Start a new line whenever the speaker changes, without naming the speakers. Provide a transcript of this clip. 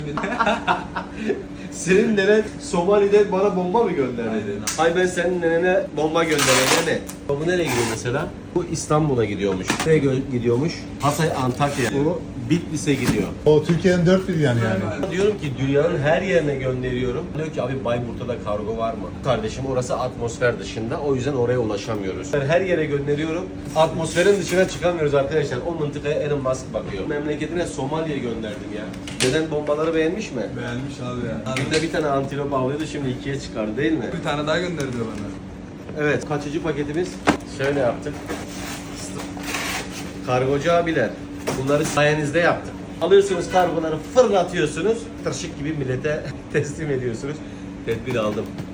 Senin nenen Somali'de bana bomba mı gönderdi?
Aynen.
Ay ben senin nenene bomba gönderene ne? Bu nereye gidiyor mesela? Bu İstanbul'a gidiyormuş. Nereye gidiyormuş? Hatay, Antakya. Bu Bitlis'e gidiyor.
O Türkiye'nin dört bir yanı yani.
Diyorum ki dünyanın her yerine gönderiyorum. Diyor ki abi Bayburt'ta da kargo var mı? Kardeşim orası atmosfer dışında. O yüzden oraya ulaşamıyoruz. Ben her yere gönderiyorum. Atmosferin dışına çıkamıyoruz arkadaşlar. O mıntıkaya Elon Musk bakıyor. Memleketine Somali'ye gönderdim ya. Neden bombaları beğenmiş mi?
Beğenmiş abi ya.
Günde bir tane antilop avlıyordu, şimdi ikiye çıkardı değil mi?
Bir tane daha gönderdi bana.
Evet, kaçıcı paketimiz? Şöyle yaptık. Kargocu abiler, bunları sayenizde yaptık. Alıyorsunuz kargoları, fırlatıyorsunuz, tırşık gibi millete teslim ediyorsunuz. Tedbir aldım.